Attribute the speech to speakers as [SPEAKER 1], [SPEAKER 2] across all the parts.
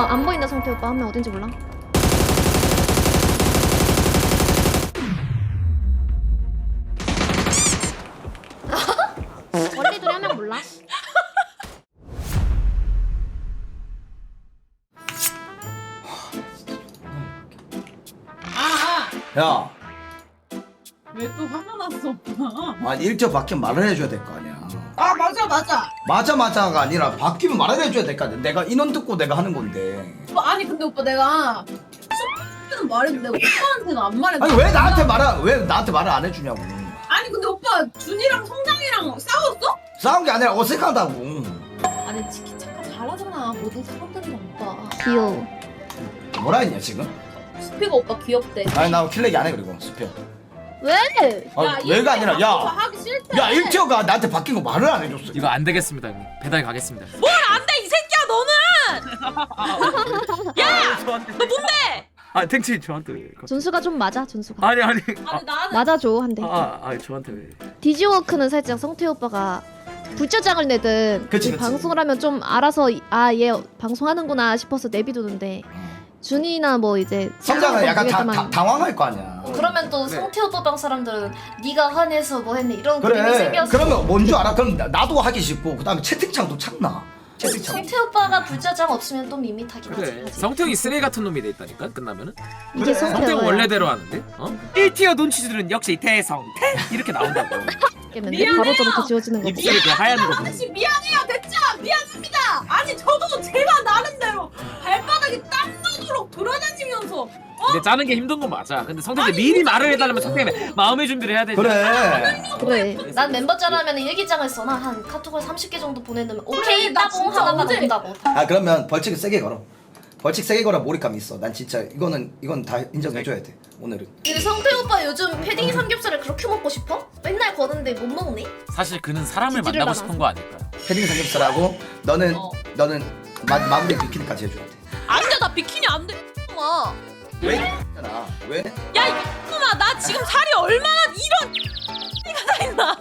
[SPEAKER 1] 안 보인다 성태 오빠. 한 명 어딘지 몰라. 원리들이 한 명 몰라.
[SPEAKER 2] 야,
[SPEAKER 3] 왜 또 화가 났어 오빠?
[SPEAKER 2] 아니 일정 바뀌면 말을 해줘야 될 거 아니야.
[SPEAKER 3] 아 맞아
[SPEAKER 2] 맞아가 아니라 바뀌면 말을 해줘야 될 거 아니야. 내가 인원 듣고 내가 하는 건데.
[SPEAKER 3] 오빠, 아니 근데 오빠 내가 수업은 말했는데 오빠한테는 안 말했어.
[SPEAKER 2] 아니 왜 나한테 말을 안 해주냐고.
[SPEAKER 3] 아니 근데 오빠 준이랑 성장이랑 싸웠어?
[SPEAKER 2] 싸운 게 아니라 어색하다고.
[SPEAKER 3] 아니 치키 착각 잘하잖아 모든 사람들이랑 오빠.
[SPEAKER 1] 귀여워.
[SPEAKER 2] 뭐라 했냐 지금?
[SPEAKER 3] 수피가 오빠 귀엽대.
[SPEAKER 2] 아니 나 킬렉이 안 해 그리고 수표.
[SPEAKER 1] 왜?
[SPEAKER 2] 아, 왜가 아니라
[SPEAKER 3] 오빠
[SPEAKER 2] 야,
[SPEAKER 3] 하기 싫대.
[SPEAKER 2] 야 일티어가 나한테 바뀐 거 말을 안 해줬어.
[SPEAKER 4] 이거 안 되겠습니다 형님. 배달 가겠습니다.
[SPEAKER 3] 안돼 이 새끼야 너는. 야! 너 뭔데?
[SPEAKER 4] 아 탱치 저한테 왜?
[SPEAKER 1] 준수가 좀 맞아 준수가.
[SPEAKER 4] 아니
[SPEAKER 3] 아니 나는
[SPEAKER 1] 맞아줘 한 대.
[SPEAKER 4] 저한테 왜?
[SPEAKER 1] 디지워크는 살짝 성태 오빠가 불짜장을 내든
[SPEAKER 2] 그치.
[SPEAKER 1] 방송을 하면 좀 알아서 얘 방송하는구나 싶어서 내비두는데 준이나 뭐 이제
[SPEAKER 2] 성장은 약간
[SPEAKER 1] 모르겠지만
[SPEAKER 2] 당황할 거 아니야.
[SPEAKER 5] 그러면 또
[SPEAKER 4] 네.
[SPEAKER 5] 성태 오빠 방 사람들은 네가 화내서 뭐 했네 이런 그림이
[SPEAKER 2] 그래.
[SPEAKER 5] 생겼어.
[SPEAKER 2] 그러면 뭔 줄 알아? 그럼 나도 하기 싫고 그다음에 채팅창도 창나. 채팅창.
[SPEAKER 5] 성태 오빠가 불자장 없으면 또 밋밋하긴 하지.
[SPEAKER 4] 그래. 성태형이 쓰레기 같은 놈이 돼 있다니까 끝나면은.
[SPEAKER 1] 이제
[SPEAKER 2] 그래.
[SPEAKER 1] 성태가
[SPEAKER 4] 성태형 원래대로 하는데. 어? 1티어 논치들은 역시 대성태 이렇게 나온다고.
[SPEAKER 1] 깨는데 바로 저렇게 지워지는 거.
[SPEAKER 4] 입술이 그 하얀 거 보면.
[SPEAKER 3] 아저씨 미안해요 됐죠? 미안합니다. 아니 저도 제가 나름대로 발바닥에 땀 나도록 돌아다니면서
[SPEAKER 4] 근데 짜는 게 힘든 건 맞아. 근데 성태형이 미리 말을 해달라면 성태형이 마음의 준비를 해야 되지.
[SPEAKER 2] 그래.
[SPEAKER 1] 그래.
[SPEAKER 5] 난 멤버짤 하면 일기장을 써놔. 한 카톡을 30개 정도 보내놓으면 오케이
[SPEAKER 3] 나
[SPEAKER 5] 따봉
[SPEAKER 3] 진짜
[SPEAKER 5] 하나가
[SPEAKER 3] 언제-
[SPEAKER 5] 나온다고.
[SPEAKER 2] 아 그러면 벌칙을 세게 걸어. 벌칙 세게 걸어 몰입감 있어. 난 진짜 이건 다 인정해줘야 돼. 오늘은.
[SPEAKER 5] 근데 성태 오빠 요즘 패딩 삼겹살을 그렇게 먹고 싶어? 맨날 거는데 못 먹니?
[SPEAKER 4] 사실 그는 사람을
[SPEAKER 1] 지지를
[SPEAKER 4] 만나고
[SPEAKER 1] 받아서.
[SPEAKER 4] 싶은 거 아닐까?
[SPEAKER 2] 패딩 삼겹살하고 너는
[SPEAKER 3] 어.
[SPEAKER 2] 마무리 비키니까지 해줘야 돼.
[SPEAKER 3] 안돼 나 비키니 안돼. 야
[SPEAKER 2] 왜? 있잖아. 왜?
[SPEAKER 3] 이놈아 나 지금 살이 얼마나 이런 이가 다 있나?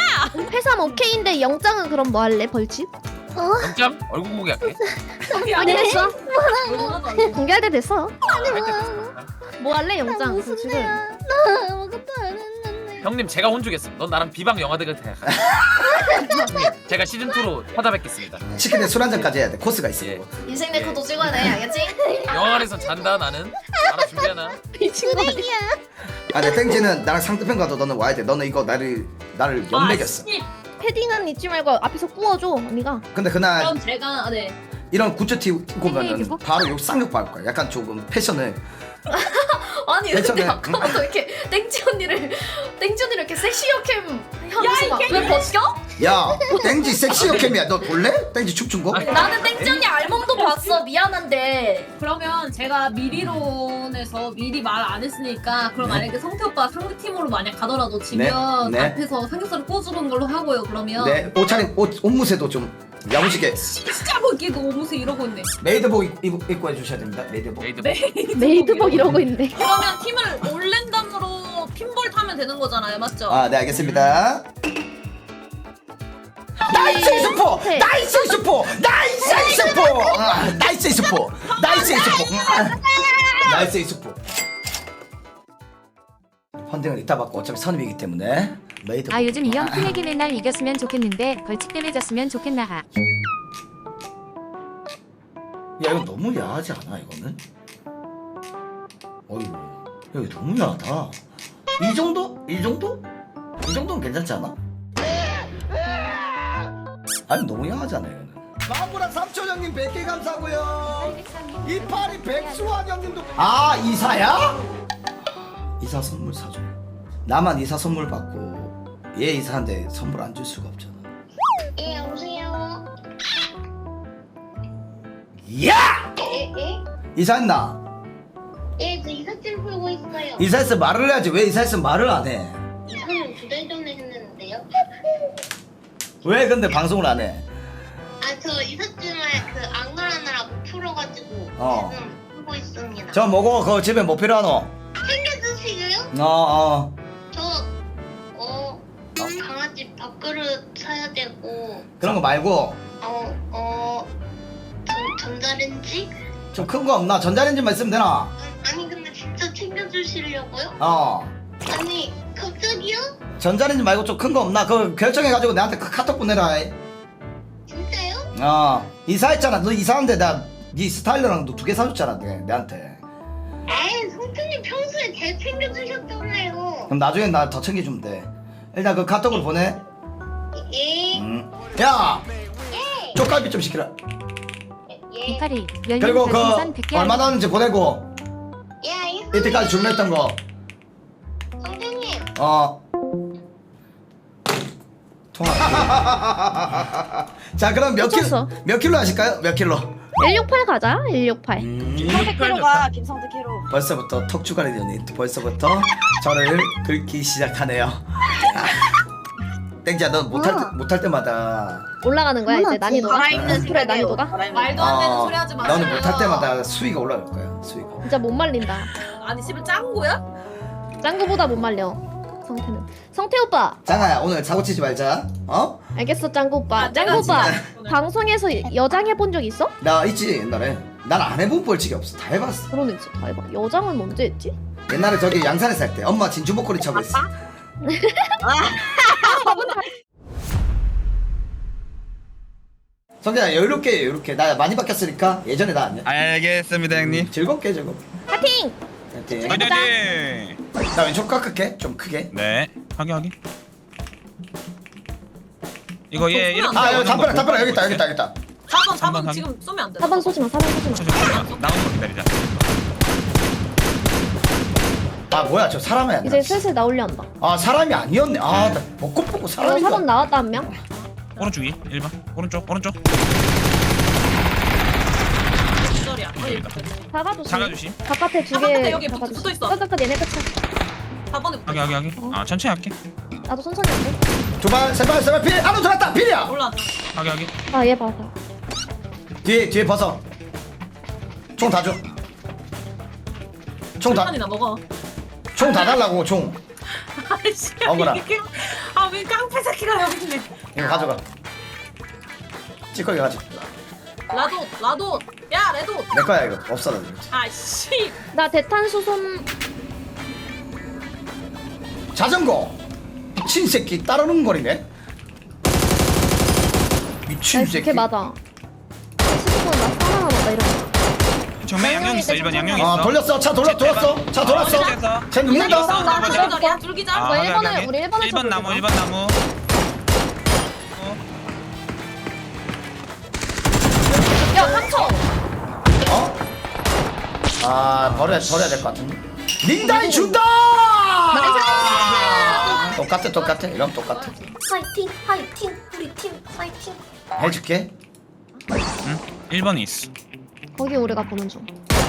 [SPEAKER 1] 회삼 오케이인데 영장은 그럼 뭐 할래 벌칙?
[SPEAKER 4] 영장 얼굴 공개할게.
[SPEAKER 1] 아니 됐어.
[SPEAKER 3] 얼마나
[SPEAKER 1] 공개할 때 됐어.
[SPEAKER 4] 할때 됐어.
[SPEAKER 1] 뭐 할래 영장? 벌칙은.
[SPEAKER 6] 아무것도 안 했는데.
[SPEAKER 4] 형님 제가 혼주겠습니다. 넌 나랑 비방 영화대가 돼. 제가 시즌 2로 찾아뵙겠습니다.
[SPEAKER 2] 치킨에 술 한 잔까지 해야 돼. 코스가 있어.
[SPEAKER 4] 예.
[SPEAKER 2] 그거.
[SPEAKER 5] 인생 네컷도 찍어야 돼 알겠지?
[SPEAKER 4] 영화관에서 잔다 나는. 알아 준비하나?
[SPEAKER 1] 미친 거 아니야?
[SPEAKER 2] 아, 내 땡지는 나랑 상대편 가도 너는 와야 돼. 너는 이거 나를 연맥였어.
[SPEAKER 1] 패딩은 잊지 말고 앞에서 구워줘 언니가.
[SPEAKER 2] 근데 그날
[SPEAKER 3] 그럼 제가 네.
[SPEAKER 2] 이런 굿즈 입고 오면은
[SPEAKER 1] 입어?
[SPEAKER 2] 바로 욕 쌍욕 받을 거야. 약간 조금 패션을.
[SPEAKER 5] 아니 근데
[SPEAKER 2] 괜찮아요.
[SPEAKER 5] 아까부터 이렇게 땡지 언니를 이렇게 섹시 여캠 하면서 막왜 벗겨?
[SPEAKER 2] 야, 땡지 섹시 여캠이야. 너 볼래? 땡지 춤춘 거?
[SPEAKER 5] 나는 땡지 언니 알몸도 봤어. 미안한데.
[SPEAKER 3] 그러면 제가 미리론에서 미리 말 안 했으니까 그럼
[SPEAKER 2] 네.
[SPEAKER 3] 만약에 성태 오빠 상대팀으로 만약 가더라도 지면
[SPEAKER 2] 네. 네.
[SPEAKER 3] 앞에서 삼겹살을 구워주는 걸로 하고요. 그러면
[SPEAKER 2] 네, 옷차림 옷 무새도 좀 야무지게
[SPEAKER 3] 진짜 보기에도 오무새 이러고 있네.
[SPEAKER 2] 메이드복 입고 해주셔야 됩니다. 메이드복.
[SPEAKER 4] 메이드
[SPEAKER 1] 메이드복 이러고 있네.
[SPEAKER 3] 그러면 팀을 올랜담으로 핀볼 타면 되는 거잖아요, 맞죠?
[SPEAKER 2] 아, 네 알겠습니다. 나이스 스포!
[SPEAKER 1] 네.
[SPEAKER 2] 나이스 스포! 나이스 스포! 나이스 스포! 나이스 스포! 나이스 스포! 헌팅은 이따 받고 어차피 선임이기 때문에 메이드복.
[SPEAKER 7] 아 요즘 이형 핑계기 맨날 이겼으면 좋겠는데 벌칙 때문에 졌으면 좋겠나.
[SPEAKER 2] 야 이거 너무 야하지 않아 이거는? 어이구 야 이거 너무 야하다. 이 정도? 이 정도? 이 정도는 괜찮지 않아? 아니 너무 야하잖아 이거는. 마무랑 삼촌 형님 100개 감사고요. 이파리 백수환 형님도. 아 이사야? 이사 선물 사줘. 나만 이사 선물 받고 얘 이사한테 선물 안 줄 수가 없잖아.
[SPEAKER 6] 예, 여보세요.
[SPEAKER 2] 야!
[SPEAKER 6] 예?
[SPEAKER 2] 이사했나?
[SPEAKER 6] 예, 저 이삿짐 풀고 있어요.
[SPEAKER 2] 이사했으면 말을 해야지. 왜 이사했으면 말을 안 해?
[SPEAKER 6] 이사는 2달 전에 했는데요.
[SPEAKER 2] 왜 근데 방송을 안 해?
[SPEAKER 6] 아, 저 이삿짐을 그 안그라느라 못 풀어가지고
[SPEAKER 2] 어.
[SPEAKER 6] 지금 풀고 있습니다.
[SPEAKER 2] 저 뭐고 그거 집에 뭐 필요하노?
[SPEAKER 6] 챙겨주시고요?
[SPEAKER 2] 어어
[SPEAKER 6] 강아지 밥그릇 사야 되고,
[SPEAKER 2] 그런 거 말고
[SPEAKER 6] 전자레인지?
[SPEAKER 2] 좀 큰 거 없나? 전자레인지만 있으면 되나?
[SPEAKER 6] 아니 근데 진짜 챙겨주시려고요?
[SPEAKER 2] 어
[SPEAKER 6] 아니 갑자기요?
[SPEAKER 2] 전자레인지 말고 좀 큰 거 없나? 그거 결정해가지고 내한테 카톡 보내라.
[SPEAKER 6] 진짜요?
[SPEAKER 2] 이사했잖아. 너 이사한데 네 스타일러랑 너 2개 사줬잖아. 내한테.
[SPEAKER 6] 에이 성준님 평소에 잘 챙겨주셨잖아요.
[SPEAKER 2] 그럼 나중에 나 더 챙겨주면 돼. 일단 그 카톡으로 보내.
[SPEAKER 6] 예.
[SPEAKER 2] 야
[SPEAKER 6] 예.
[SPEAKER 2] 쪽갈비 좀 시키라.
[SPEAKER 6] 예.
[SPEAKER 7] 이파리 열린
[SPEAKER 2] 그리고 그
[SPEAKER 7] 별풍선 100개
[SPEAKER 2] 얼마 나왔는지 보내고
[SPEAKER 6] 예 알겠습니다.
[SPEAKER 2] 이때까지 주문했던 거
[SPEAKER 6] 성준님.
[SPEAKER 2] 통화. 자 그럼
[SPEAKER 1] 미쳤어.
[SPEAKER 2] 몇 킬로 하실까요? 몇 킬로?
[SPEAKER 1] 168 가자. 168.
[SPEAKER 3] 김성태 키로가 김성태 키로.
[SPEAKER 2] 벌써부터 턱주가리 연이 벌써부터 저를 긁기 시작하네요. 땡지야 너 못할 때마다
[SPEAKER 1] 올라가는 거야 이제 난이도가.
[SPEAKER 3] 살아있는
[SPEAKER 1] 그래 난이도가.
[SPEAKER 5] 말도 안 되는 소리 하지 마세요.
[SPEAKER 2] 너는 못할 때마다 수위가 올라갈 거야. 수위가.
[SPEAKER 1] 진짜 못 말린다.
[SPEAKER 3] 아니 씨발 짠 거야?
[SPEAKER 1] 짠 거보다 못 말려. 성태는. 성태 오빠.
[SPEAKER 2] 장아야 오늘 사고 치지 말자. 어?
[SPEAKER 1] 알겠어 짱구 오빠.
[SPEAKER 3] 아,
[SPEAKER 1] 짱구
[SPEAKER 3] 내가
[SPEAKER 1] 오빠.
[SPEAKER 3] 진짜-
[SPEAKER 1] 방송에서 여장 해본 적 있어?
[SPEAKER 2] 나 있지 옛날에. 난 안 해본 벌칙이 없어. 다 해봤어.
[SPEAKER 1] 그러네 진짜 다 해봐. 여장은 언제 했지?
[SPEAKER 2] 옛날에 저기 양산에 살 때 엄마 진주 목걸이 차고 있어. 성재야 여유롭게 여유롭게. 나 많이 바뀌었으니까 예전에 나 아니야.
[SPEAKER 8] 알겠습니다 형님.
[SPEAKER 2] 즐겁게 즐겁게.
[SPEAKER 1] 파팅!
[SPEAKER 2] 파이팅.
[SPEAKER 8] 화이팅!
[SPEAKER 2] 나 왼쪽 깎을게. 좀 크게.
[SPEAKER 8] 네. 확인. 이거 얘 이렇게
[SPEAKER 2] 아 여기
[SPEAKER 8] 나오는 거
[SPEAKER 2] 담벼락
[SPEAKER 8] 보고
[SPEAKER 2] 여기 있다 여기 있다
[SPEAKER 8] 있을게.
[SPEAKER 2] 여기 있다.
[SPEAKER 3] 4번
[SPEAKER 8] 한번
[SPEAKER 3] 4번 지금 쏘면 안 돼.
[SPEAKER 1] 4번 쏘지마 4번 쏘지마.
[SPEAKER 8] 저기 나오는 거 기다리자.
[SPEAKER 2] 아 뭐야 저 사람이 아니야.
[SPEAKER 1] 이제 슬슬 나오려 한다.
[SPEAKER 2] 아 사람이 아니었네. 아나 벚꽃 보고 사람인
[SPEAKER 1] 4번
[SPEAKER 2] 줄.
[SPEAKER 1] 나왔다 한 명.
[SPEAKER 8] 오른쪽 위 1번. 오른쪽.
[SPEAKER 3] 기절이야.
[SPEAKER 1] 잡아주심.
[SPEAKER 8] 작아주심.
[SPEAKER 1] 바깥에 두
[SPEAKER 3] 바깥에
[SPEAKER 1] 개.
[SPEAKER 3] 여기 붙어 있어.
[SPEAKER 1] 끝 얘네 끝이야.
[SPEAKER 3] 4번에
[SPEAKER 8] 확인. 아 천천히 할게.
[SPEAKER 1] 나도 천천히 할게.
[SPEAKER 2] 두발 세발 필 안으로 들어갔다 필이야.
[SPEAKER 3] 올라.
[SPEAKER 8] 확인.
[SPEAKER 1] 아 얘 봐봐.
[SPEAKER 2] 뒤에 벗어. 총 다 줘. 총 다
[SPEAKER 3] 판이나 먹어.
[SPEAKER 2] 달라고 총.
[SPEAKER 3] 아이씨.
[SPEAKER 2] 먹어라.
[SPEAKER 3] 아왜 깡패 새끼가 여기 있네.
[SPEAKER 2] 이거 가져가. 찌꺼기 가져.
[SPEAKER 3] 라도. 야 레도.
[SPEAKER 2] 내 거야 이거 없어다.
[SPEAKER 3] 아씨.
[SPEAKER 1] 나 대탄수솜.
[SPEAKER 2] 자전거. 미친 새끼 따르는 거리네. 미친
[SPEAKER 1] 나이스
[SPEAKER 2] 새끼.
[SPEAKER 1] 걔 맞아. 시스콘 나 사랑하다 이런 거.
[SPEAKER 8] 정면 양용 있어. 1번 양용 있어.
[SPEAKER 2] 아 돌렸어. 차 돌았어. 차 돌았어. 쟤 눕는다.
[SPEAKER 3] 나 기절이야. 둘기절.
[SPEAKER 8] 아,
[SPEAKER 1] 뭐
[SPEAKER 8] 확인,
[SPEAKER 1] 1번을
[SPEAKER 8] 확인.
[SPEAKER 1] 우리 1번을
[SPEAKER 8] 1번 나무 1번 나무.
[SPEAKER 1] 야 3초.
[SPEAKER 2] 어? 아 버려야 될 것 같은데. 링다이 준다. 똑같아. 이러면 똑같아.
[SPEAKER 5] 파이팅 우리 팀 파이팅.
[SPEAKER 2] 해줄게.
[SPEAKER 8] 응? 1번이 있어.
[SPEAKER 1] 거기 우리가 보는 중.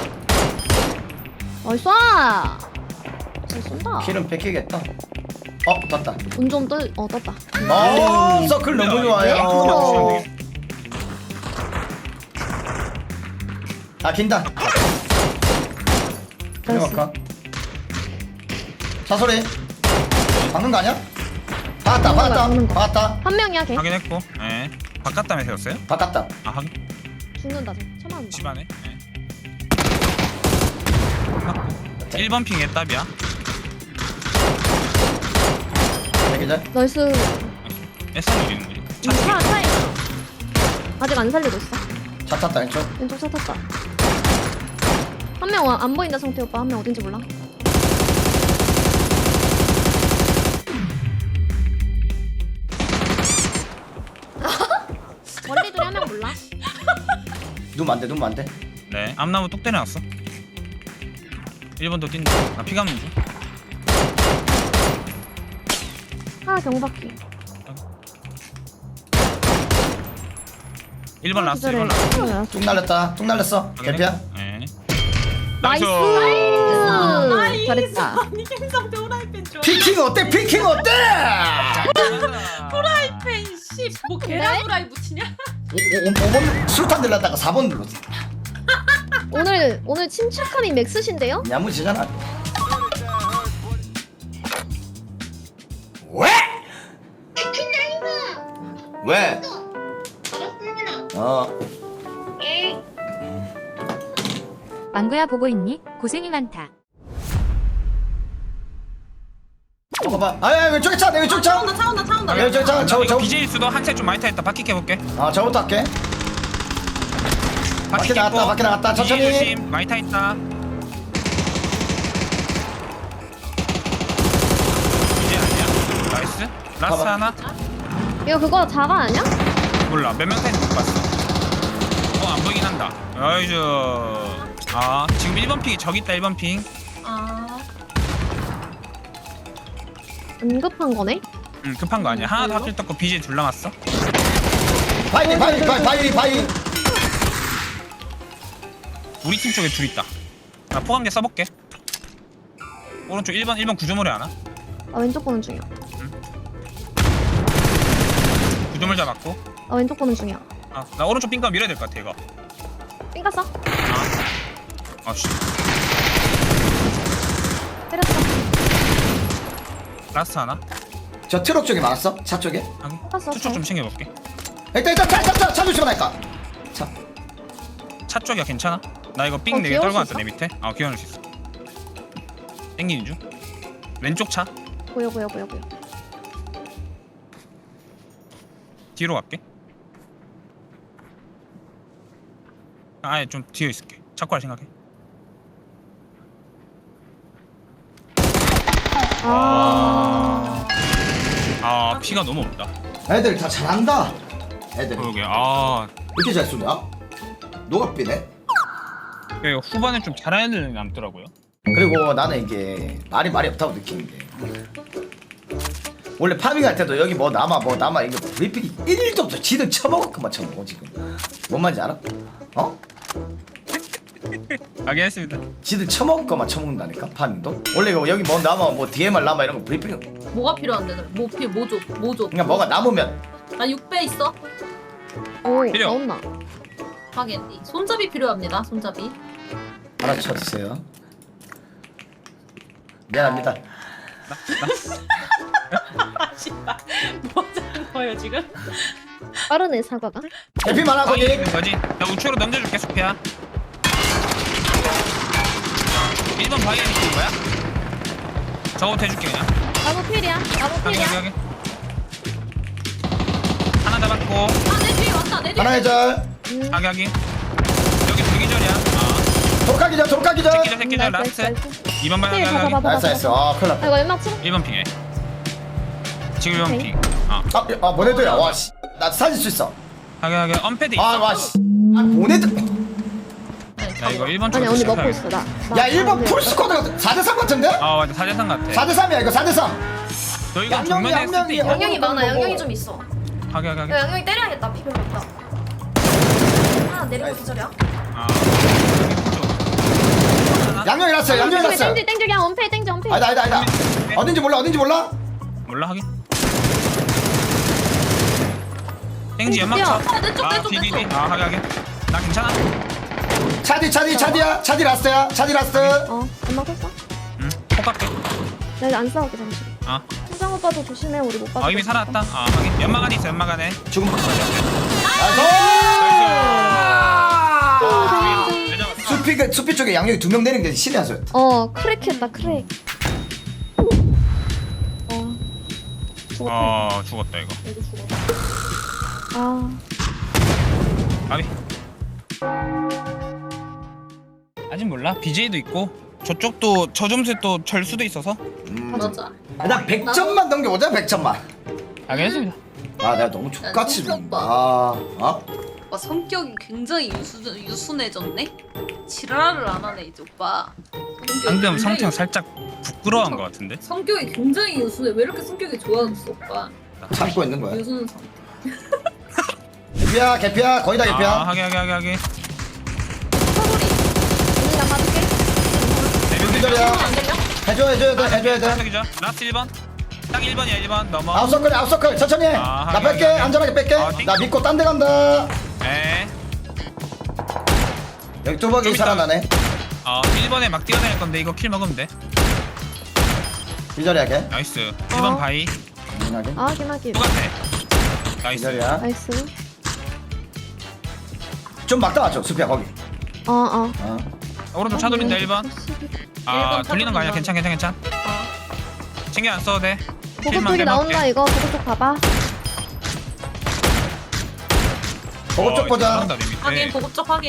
[SPEAKER 1] 어이 쏴. 잘 쏜다.
[SPEAKER 2] 킬은 뺏기겠다. 떴다.
[SPEAKER 1] 운좀 떴다.
[SPEAKER 2] 서클 너무 좋아요.
[SPEAKER 1] 어.
[SPEAKER 2] 아 긴다.
[SPEAKER 1] 나이스.
[SPEAKER 2] 들어갈까? 사소리. 박는 거 아니야?
[SPEAKER 1] 박는 거.
[SPEAKER 2] 박았다.
[SPEAKER 1] 한 명이야 걔.
[SPEAKER 8] 확인했고. 예. 바깥 담에 세웠어요?
[SPEAKER 2] 박았다.
[SPEAKER 8] 아 확인.
[SPEAKER 1] 죽는다 저. 쳐맞는다.
[SPEAKER 8] 집안에. 예. 1번 핑에 답이야.
[SPEAKER 2] 대기자.
[SPEAKER 1] 나이스.
[SPEAKER 8] S 누리는 거지.
[SPEAKER 1] 차에 아직 안 살리고 있어.
[SPEAKER 2] 차 탔다 왼쪽.
[SPEAKER 1] 왼쪽 차 탔다. 한 명 안 보인다 성태 오빠. 한 명 어딘지 몰라. 원리들이 한 명 몰라.
[SPEAKER 2] 누면 안 돼.
[SPEAKER 8] 네. 앞나무 뚝 때려놨어. 1번도 뛴다. 나 피 감는 중.
[SPEAKER 1] 하나 경박기.
[SPEAKER 8] 1번 라스트. 1번 라스트.
[SPEAKER 2] 뚝 날렸어. 개피야.
[SPEAKER 8] 예.
[SPEAKER 1] 나이스.
[SPEAKER 3] 나이스.
[SPEAKER 1] 잘했다.
[SPEAKER 3] 아니 김성태 후라이팬 좋아.
[SPEAKER 2] 피킹 어때?
[SPEAKER 3] 후라이팬 씨. 계란 후라이 붙이냐?
[SPEAKER 2] 5번 술탄 들렀다가 4번 눌렀어.
[SPEAKER 1] 오늘 침착함이 맥스신데요?
[SPEAKER 2] 야무지잖아. 왜? 왜?
[SPEAKER 6] 알았습니다.
[SPEAKER 2] 어.
[SPEAKER 6] 예.
[SPEAKER 7] 망구야 보고 있니? 고생이 많다.
[SPEAKER 2] 봐봐. 아, 왼쪽에 차, 내 왼쪽 차.
[SPEAKER 3] 차 온다.
[SPEAKER 2] 왼쪽에 차,
[SPEAKER 8] 이거
[SPEAKER 2] 저.
[SPEAKER 8] BJ 수도 한set 좀 많이 타있다. 바퀴 깨볼게.
[SPEAKER 2] 아, 저부터 할게. 밖에 나갔다, 밖에 나갔다. 천천히.
[SPEAKER 8] BJ 조심. 많이 타있다. BJ 아니야? 나이스. 라스트
[SPEAKER 2] 봐봐.
[SPEAKER 8] 하나?
[SPEAKER 1] 이거 그거 자가 아니야?
[SPEAKER 8] 몰라. 몇 명 타있는지 못 봤어. 안 보이긴 한다. 아이즈. 아, 지금 1번 핑이 저기 있다. 1번 핑.
[SPEAKER 1] 응급한 거네?
[SPEAKER 8] 급한 거 아니야. 하나 더 합칠 떴고 BJ 둘 남았어.
[SPEAKER 2] 바이.
[SPEAKER 8] 우리 팀 쪽에 둘 있다. 나 포함계 써볼게. 오른쪽 1번 구조물에 하나.
[SPEAKER 1] 나 왼쪽 보는 중이야.
[SPEAKER 8] 구조물 잡았고.
[SPEAKER 1] 나 왼쪽 보는 중이야.
[SPEAKER 8] 아, 나 오른쪽 핑가 밀어야 될 것 같아 이거.
[SPEAKER 1] 삥 갔어?
[SPEAKER 8] 아씨.
[SPEAKER 1] 때렸어.
[SPEAKER 8] 라스트 하나.
[SPEAKER 2] 저 트럭 쪽에 막았어? 차 쪽에?
[SPEAKER 8] 하긴.
[SPEAKER 1] 봤어,
[SPEAKER 8] 투쪽 좀 챙겨볼게.
[SPEAKER 2] 일단 차 조심하니까. 차.
[SPEAKER 8] 차 쪽이야 괜찮아? 나 이거 삥 4개
[SPEAKER 1] 귀여울
[SPEAKER 8] 떨고
[SPEAKER 1] 수
[SPEAKER 8] 왔다 내 밑에. 귀여울 수 있어. 땡기는 중. 왼쪽 차.
[SPEAKER 1] 보여.
[SPEAKER 8] 뒤로 갈게. 아예 좀 뒤에 있을게. 차고 할 생각해. 아 피가 너무 없다.
[SPEAKER 2] 애들 다 잘한다. 애들.
[SPEAKER 8] 그러게.
[SPEAKER 2] 이렇게 잘 쏘냐? 너가 삐네?
[SPEAKER 8] 이거 후반에 좀 잘하는 애들 남더라고요.
[SPEAKER 2] 그리고 나는 이게 말이 없다고 느끼는 게 원래 파밍할 때도 여기 뭐 남아 이게 브리핑이 1일도 없어. 지들 처먹었구만 처먹어 지금. 뭔 말인지 알아? 어?
[SPEAKER 8] 알겠습니다.
[SPEAKER 2] 지들 처먹을 처먹는다니까 파밍도. 원래 이거 여기 뭐 남아 뭐 DMR 남아 이런 거 브리핑
[SPEAKER 3] 뭐가 필요한데? 뭐 줘?
[SPEAKER 2] 그냥 뭐가 남으면
[SPEAKER 3] 나 6배 있어.
[SPEAKER 1] 오,
[SPEAKER 8] 필요.
[SPEAKER 1] 나온나.
[SPEAKER 3] 하겠니? 손잡이 필요합니다. 손잡이.
[SPEAKER 2] 알아쳐주세요. 미안합니다.
[SPEAKER 3] 씨발. 뭐 하는 거예요 지금?
[SPEAKER 1] 빠르네 사과가.
[SPEAKER 2] 해피 많아 거기.
[SPEAKER 8] 있는 거지? 나 우측으로 넘겨줄게 수피야. 1번 바위에 있는 거야? 저거부터 해줄게 그냥.
[SPEAKER 1] 나무 필이야.
[SPEAKER 8] 여기. 하나 잡았고.
[SPEAKER 3] 내 뒤에 왔다. 내 뒤에.
[SPEAKER 2] 하나 해절.
[SPEAKER 8] 여기. 여기 불기절이야.
[SPEAKER 2] 돌까기절.
[SPEAKER 8] 새끼절 라스트. 2번 바위
[SPEAKER 1] 필
[SPEAKER 8] 여기.
[SPEAKER 1] 봐봐.
[SPEAKER 2] 나이스. 아 큰일 났다.
[SPEAKER 1] 이거 연막 쳐.
[SPEAKER 8] 1번 핑에. 지금 1번
[SPEAKER 1] 오케이.
[SPEAKER 8] 핑.
[SPEAKER 2] 보내줘야. 와씨. 나 사줄 수 있어.
[SPEAKER 8] 여기 언패드 있어.
[SPEAKER 2] 와씨. 보내줘.
[SPEAKER 8] 나 이거 1번
[SPEAKER 1] 아니
[SPEAKER 8] 쪽으로
[SPEAKER 1] 언니 먹고
[SPEAKER 8] 시작해야겠다.
[SPEAKER 1] 있어 나.
[SPEAKER 2] 야 1번 풀스쿼드가 4대3 같은데?
[SPEAKER 8] 맞아 4대3 같아.
[SPEAKER 2] 4대3이야 이거 4대3.
[SPEAKER 8] 너희가
[SPEAKER 2] 양념이
[SPEAKER 8] 정면에 했을 때
[SPEAKER 2] 양념이
[SPEAKER 8] 있냐?
[SPEAKER 5] 양념이 많아.
[SPEAKER 2] 먹어.
[SPEAKER 5] 양념이 좀 있어.
[SPEAKER 8] 하게.
[SPEAKER 5] 야, 양념이 때려야겠다. 피 별로 없다. 하나 내리고 기절이야.
[SPEAKER 2] 양념이 났어요. 양념이 났어요.
[SPEAKER 1] 땡줄 그냥 원페이 땡줄 원페이.
[SPEAKER 2] 아니다. 어딘지 몰라.
[SPEAKER 8] 몰라 하긴. 땡지 연막 쳐.
[SPEAKER 3] 내 쪽.
[SPEAKER 8] DDD. 하게. 나 괜찮아?
[SPEAKER 2] 차디 라스트야. 차디 라스트.
[SPEAKER 1] 연막 쳤어?
[SPEAKER 8] 응. 폭갈게.
[SPEAKER 1] 나 이거 안 싸울게 잠시. 현장 오빠도 조심해 우리 못 봐.
[SPEAKER 8] 이미 살아났다. 하긴. 연막 안에 있어. 연막 안에.
[SPEAKER 2] 죽음. 나이스. 수피 쪽에 양념이 2명 내린 게 신의 한 수였다.
[SPEAKER 1] 크랙했다 크랙.
[SPEAKER 8] 죽었다 이거. 아비. 아직 몰라. BJ도 있고 저쪽도 저 점수에 또 절수도 있어서.
[SPEAKER 3] 맞아.
[SPEAKER 2] 일단 100점만 넘겨보자. 100점만.
[SPEAKER 8] 알겠습니다.
[SPEAKER 2] 내가 너무 족같이
[SPEAKER 3] 진짜
[SPEAKER 2] 죽는다.
[SPEAKER 3] 오빠 성격이 굉장히 유순해졌네? 지랄을 안 하네 이제 오빠.
[SPEAKER 8] 방금 성태형 살짝 부끄러워한 것 같은데.
[SPEAKER 3] 성격이 굉장히 유순해. 왜 이렇게 성격이 좋아졌어 오빠?
[SPEAKER 2] 참고 있는 거야.
[SPEAKER 3] 유순 성격.
[SPEAKER 2] 개피야. 거의 다 개피야.
[SPEAKER 8] 하게.
[SPEAKER 1] 언니 나 봐줄게.
[SPEAKER 2] 기절이야. 해줘야 돼.
[SPEAKER 8] 라스트 1번. 딱 1번이야 1번 넘어.
[SPEAKER 2] 아웃서클 천천히 해. 나 뺄게. 안전하게 뺄게. 나 믿고 딴 데 간다.
[SPEAKER 8] 네.
[SPEAKER 2] 여기 뚜벅이 살아나네.
[SPEAKER 8] 1번에 막 뛰어다닐 건데 이거 킬 먹으면 돼.
[SPEAKER 2] 기절이야 걔.
[SPEAKER 8] 나이스. 1번 바이.
[SPEAKER 1] 기나기.
[SPEAKER 8] 똑같아. 나이스.
[SPEAKER 2] 기절이야.
[SPEAKER 1] 나이스.
[SPEAKER 2] 좀 막다 왔죠 수피야 거기.
[SPEAKER 8] 오른쪽 차 돌린다 1번. 아
[SPEAKER 3] 1번 차
[SPEAKER 8] 돌리는 거 아니야?
[SPEAKER 3] 돌린다.
[SPEAKER 8] 괜찮. 신경 안 써도 돼.
[SPEAKER 1] 보급
[SPEAKER 8] 킬만
[SPEAKER 1] 쪽이 나온다
[SPEAKER 8] 빼놓을게.
[SPEAKER 1] 이거. 보급 쪽 봐봐.
[SPEAKER 2] 보급 쪽 보자.
[SPEAKER 8] 나온다, 내 밑에.
[SPEAKER 3] 확인 보급적 확인.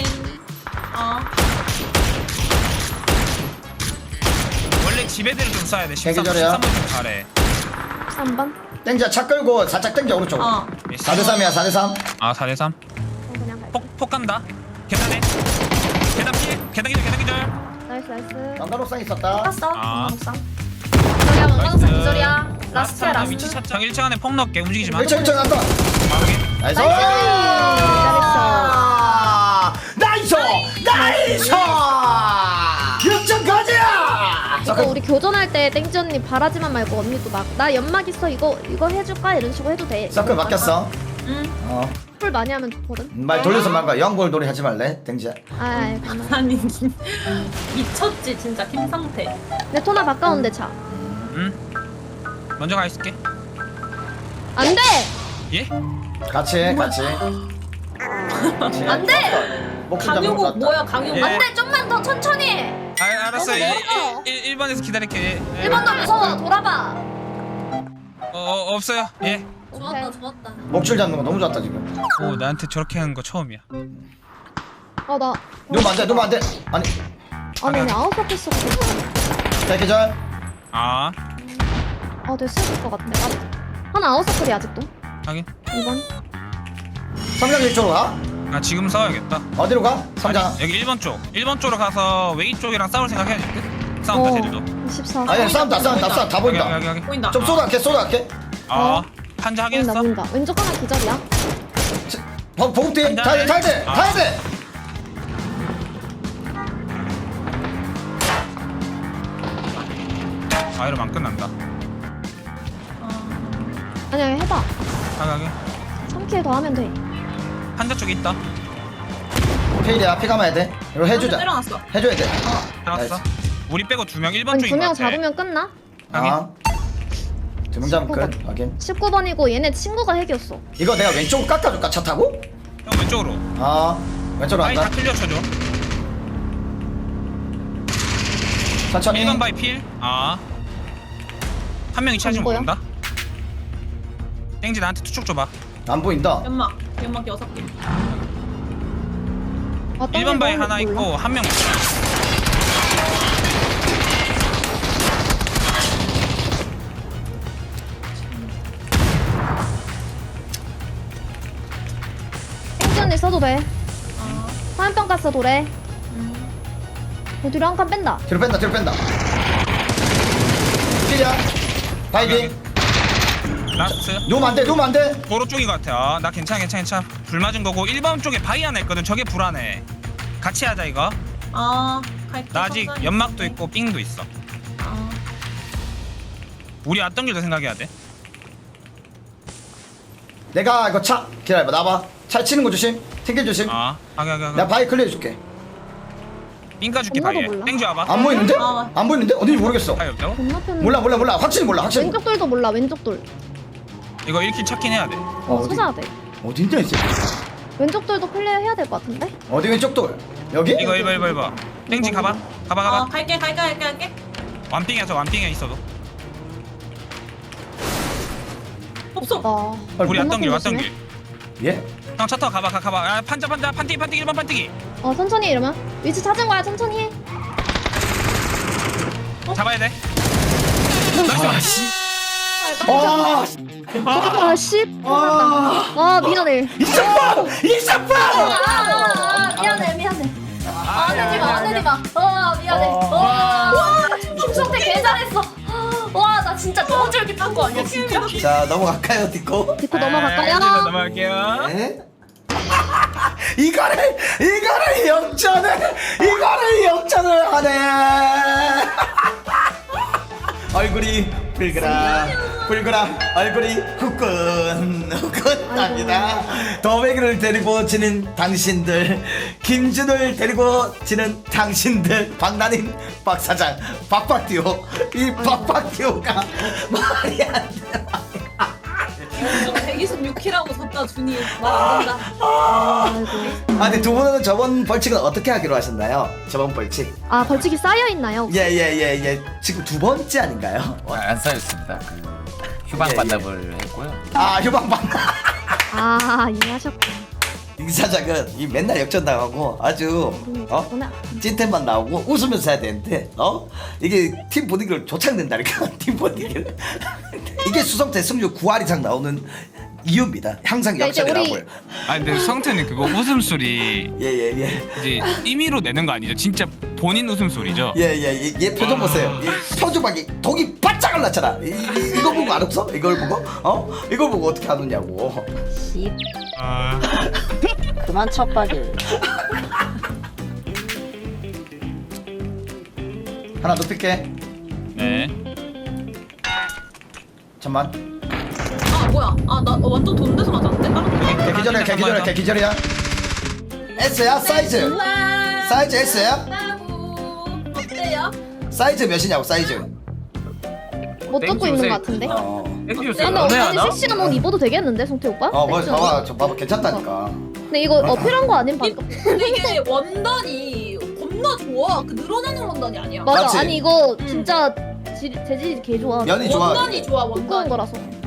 [SPEAKER 8] 원래 집 애들을 좀 쏴야 돼. 13,
[SPEAKER 2] 계기절이야.
[SPEAKER 8] 13번 좀 잘해.
[SPEAKER 1] 3번.
[SPEAKER 2] 땡자 차 끌고 살짝 땡겨 오른쪽. 4대3이야 4대3.
[SPEAKER 8] 아 4대3.
[SPEAKER 1] 그냥 갈게.
[SPEAKER 8] 폭 간다. 계단에. 계단 피해. 계단 기절.
[SPEAKER 1] 나이스 나이스.
[SPEAKER 2] 왕관옥상 있었다.
[SPEAKER 5] 깠어.
[SPEAKER 8] 아.
[SPEAKER 5] 기절이야 왕광사 기절이야. 라스트야
[SPEAKER 8] 라스트 위치
[SPEAKER 5] 라스트.
[SPEAKER 8] 찾자. 1층 안에 폭 넣을게. 움직이지 마.
[SPEAKER 2] 1층 갔다.
[SPEAKER 8] 마무리.
[SPEAKER 2] 나이스.
[SPEAKER 1] 잘했어.
[SPEAKER 2] 나이스. 6점 가자.
[SPEAKER 1] 이거 우리 교전할 때 땡지 언니 바라지만 말고 언니도 막 나 연막 있어 이거 해줄까 이런 식으로 해도 돼.
[SPEAKER 2] 서클 맡겼어.
[SPEAKER 1] 응. 풀 많이 하면 좋거든.
[SPEAKER 2] 말 돌려서 말과 영골놀이 하지 말래 땡지야.
[SPEAKER 1] 아이 그만.
[SPEAKER 3] 아니 미쳤지 진짜 김상태.
[SPEAKER 1] 내 토나 바꿔온대 차.
[SPEAKER 8] 응. 먼저 가 있을게.
[SPEAKER 1] 안 돼.
[SPEAKER 8] 예?
[SPEAKER 2] 같이.
[SPEAKER 1] 안 돼.
[SPEAKER 2] 목줄 잡는 거
[SPEAKER 3] 강요국
[SPEAKER 2] 같다.
[SPEAKER 3] 뭐야 강요국.
[SPEAKER 8] 예.
[SPEAKER 1] 안 돼. 좀만 더 천천히 해.
[SPEAKER 8] 아 알았어.
[SPEAKER 1] 너무 멀어.
[SPEAKER 8] 1번에서 기다릴게. 예.
[SPEAKER 1] 1번도 무서워. 돌아봐.
[SPEAKER 8] 없어요. 예.
[SPEAKER 1] 오케이.
[SPEAKER 5] 좋았다.
[SPEAKER 2] 목줄 잡는 거 너무 좋았다 지금.
[SPEAKER 8] 오 나한테 저렇게 하는 거 처음이야.
[SPEAKER 1] 나.
[SPEAKER 2] 누면 안 돼. 아니
[SPEAKER 1] 아니 아니 아웃 했어.
[SPEAKER 2] 대기절.
[SPEAKER 8] 아
[SPEAKER 1] 됐을 것 같네. 하나 아웃 서클이 아직도.
[SPEAKER 8] 하긴.
[SPEAKER 1] 2번.
[SPEAKER 2] 성장 이쪽으로 가.
[SPEAKER 8] 아 지금 싸워야겠다.
[SPEAKER 2] 어디로 가? 성장.
[SPEAKER 8] 아니, 여기 1번 쪽. 1번 쪽으로 가서 웨이 쪽이랑 싸울 생각 해야 될 듯? 싸운다 쟤들도.
[SPEAKER 1] 14.
[SPEAKER 2] 아니 싸운다 다 보인다.
[SPEAKER 8] 여기.
[SPEAKER 3] 보인다.
[SPEAKER 2] 좀 쏟아할게.
[SPEAKER 8] 아 판자 확인했어?
[SPEAKER 1] 보인다. 왼쪽 하나 기절이야.
[SPEAKER 2] 보급 뒤 타야 돼.
[SPEAKER 8] 아 이러면 안 끝난다.
[SPEAKER 1] 아니야 해봐.
[SPEAKER 8] 가게.
[SPEAKER 1] 3킬 더 하면 돼.
[SPEAKER 8] 판자 쪽에 있다.
[SPEAKER 2] 페일이야 피 감아야 돼. 이거 해주자.
[SPEAKER 3] 때려놨어.
[SPEAKER 2] 해줘야 돼.
[SPEAKER 8] 알았어. 우리 빼고 2명 1번
[SPEAKER 1] 아니
[SPEAKER 8] 쪽인 거
[SPEAKER 1] 2명
[SPEAKER 8] 같아.
[SPEAKER 1] 잡으면 끝나?
[SPEAKER 2] 아. 2명 잡으면 끝. 확인.
[SPEAKER 1] 19번이고 얘네 친구가 핵이었어.
[SPEAKER 2] 이거 내가 왼쪽 깎아줄까 차 타고?
[SPEAKER 8] 형 왼쪽으로.
[SPEAKER 2] 왼쪽으로
[SPEAKER 8] 바위 다
[SPEAKER 2] 간다.
[SPEAKER 8] 클리어 쳐줘.
[SPEAKER 2] 천천히.
[SPEAKER 8] 1번 바위 필. 아. 한 명이 차지
[SPEAKER 1] 안 보여?
[SPEAKER 8] 모른다. 땡지 나한테 투척 줘봐.
[SPEAKER 2] 안 보인다.
[SPEAKER 3] 연막 6개.
[SPEAKER 8] 1번 바위 하나 있고 한 명 있어.
[SPEAKER 1] 땡지 언니 써도 돼. 화염병 가스 도래. 뒤로 한 칸 뺀다.
[SPEAKER 2] 뒤로 뺀다. 필이야. 바이딩.
[SPEAKER 8] 라스트.
[SPEAKER 2] 누우면 안 돼.
[SPEAKER 8] 도로 쪽인 것 같아. 나 괜찮아. 불 맞은 거고 1번 쪽에 바위 하나 있거든. 저게 불안해. 같이 하자 이거.
[SPEAKER 3] 갈게.
[SPEAKER 8] 나 아직
[SPEAKER 3] 천천히.
[SPEAKER 8] 연막도 있고 삥도 있어. 우리 왔던 길도 생각해야 돼.
[SPEAKER 2] 내가 이거 차 기다려봐. 나봐. 차 치는 거 조심. 튕길 조심.
[SPEAKER 8] 아, 하게.
[SPEAKER 2] 내가 바이 클리어 해줄게.
[SPEAKER 8] 삥 까줄게
[SPEAKER 1] 엄마도
[SPEAKER 8] 바위에.
[SPEAKER 1] 몰라.
[SPEAKER 8] 땡지 와봐.
[SPEAKER 2] 안 보이는데?
[SPEAKER 3] 아.
[SPEAKER 2] 안 보이는데? 어딘지 모르겠어.
[SPEAKER 8] 바위 없다고?
[SPEAKER 1] 건너편.
[SPEAKER 2] 몰라. 확실히 몰라.
[SPEAKER 1] 왼쪽 돌도 몰라. 왼쪽 돌.
[SPEAKER 8] 이거 1킬 찾긴 해야 돼.
[SPEAKER 2] 어디?
[SPEAKER 1] 찾아야 돼.
[SPEAKER 2] 어딘데 이제?
[SPEAKER 1] 왼쪽 돌도 클리어 해야 될 것 같은데?
[SPEAKER 2] 어디 왼쪽 돌? 여기?
[SPEAKER 8] 이거 1번. 땡지 가봐. 가봐.
[SPEAKER 3] 갈게.
[SPEAKER 8] 완삥이야 저 완삥에 있어도.
[SPEAKER 3] 없어.
[SPEAKER 8] 우리 왔던 길
[SPEAKER 1] 건너편
[SPEAKER 8] 길.
[SPEAKER 2] 예?
[SPEAKER 8] 형 차 타고 가봐. 아, 판자 판티기 1번 판티기.
[SPEAKER 1] 천천히 이러면 위치 찾은 거야. 천천히 해.
[SPEAKER 8] 잡아야 돼.
[SPEAKER 2] 아씨. 아,
[SPEAKER 1] 아 씨. 미안해. 미안해. 안 내지 마. 미안해. 와, 김성태 개 잘했어. 와, 나 진짜 너무 쫄깃한 거 아니야, 진짜?
[SPEAKER 2] 자 넘어갈까요 디코?
[SPEAKER 1] 디코 넘어갈까요?
[SPEAKER 8] 넘어갈게요.
[SPEAKER 2] 네? 이거를 역전을 하네. 얼굴이 불그라 얼굴이 후끈합니다. 더베기를 데리고 지는 당신들, 김준을 데리고 지는 당신들, 박나닌 박사장, 박박듀오. 이 박박듀오가 말이 안 돼.
[SPEAKER 3] 126키라고 졌다 준이 말안 된다.
[SPEAKER 5] 아이고.
[SPEAKER 2] 아 근데 두 분은 저번 벌칙은 어떻게 하기로 하셨나요? 저번 벌칙.
[SPEAKER 5] 아 벌칙이 쌓여 있나요?
[SPEAKER 2] 예. 지금 두 번째 아닌가요?
[SPEAKER 4] 안 쌓였습니다. 그 휴방
[SPEAKER 2] 예,
[SPEAKER 4] 반납을 했고요.
[SPEAKER 2] 아 휴방방.
[SPEAKER 5] 아 이해하셨구나.
[SPEAKER 2] 이 사장은 이 맨날 역전당하고 아주
[SPEAKER 5] 그렇구나.
[SPEAKER 2] 찐텐만 나오고 웃으면서 해야 되는데 이게 팀 분위기를 조창된다니까. 팀 분위기를. 이게 수성태 승률 9할 이상 나오는 이유입니다. 항상
[SPEAKER 5] 야, 이제
[SPEAKER 2] 역전이
[SPEAKER 5] 우리-
[SPEAKER 2] 나오고요.
[SPEAKER 8] 아 근데 성태는 그거 웃음소리
[SPEAKER 2] 예.
[SPEAKER 8] 이제 임의로 내는 거 아니죠? 진짜 본인 웃음소리죠?
[SPEAKER 2] 얘 표정 보세요. 얘 표정박이 독이 바짝을 났잖아. 이거 보고 안 웃어? 이걸 보고? 이걸 보고 어떻게 안 웃냐고.
[SPEAKER 8] 아
[SPEAKER 3] 그만 첩박일.
[SPEAKER 2] 하나 높일게.
[SPEAKER 8] 네.
[SPEAKER 2] 잠만.
[SPEAKER 3] 아 뭐야? 아 나 완전 돈 내서 맞았는데?
[SPEAKER 2] 걔 기절이야. S야 사이즈. 사이즈 S야?
[SPEAKER 3] 어때요?
[SPEAKER 2] 사이즈 몇이냐고 사이즈.
[SPEAKER 5] 못 듣고 있는 것 같은데.
[SPEAKER 4] 땡큐
[SPEAKER 5] 근데
[SPEAKER 4] 연애
[SPEAKER 5] 어쩐지
[SPEAKER 4] 하나?
[SPEAKER 5] 섹시한 옷 입어도 되겠는데 성태 오빠?
[SPEAKER 2] 뭐
[SPEAKER 5] 섹시한 옷?
[SPEAKER 2] 봐봐 저 봐봐 괜찮다니까.
[SPEAKER 5] 근데 이거 어필한 거 아닌 방금?
[SPEAKER 3] 근데 이게 원단이 겁나 좋아. 그 늘어나는 원단이 아니야.
[SPEAKER 5] 맞아.
[SPEAKER 2] 맞지?
[SPEAKER 5] 아니 이거 진짜 재질이 개 좋아.
[SPEAKER 2] 면이 좋아.
[SPEAKER 3] 원단이 좋아
[SPEAKER 5] 두꺼운
[SPEAKER 3] 원단이.
[SPEAKER 5] 거라서.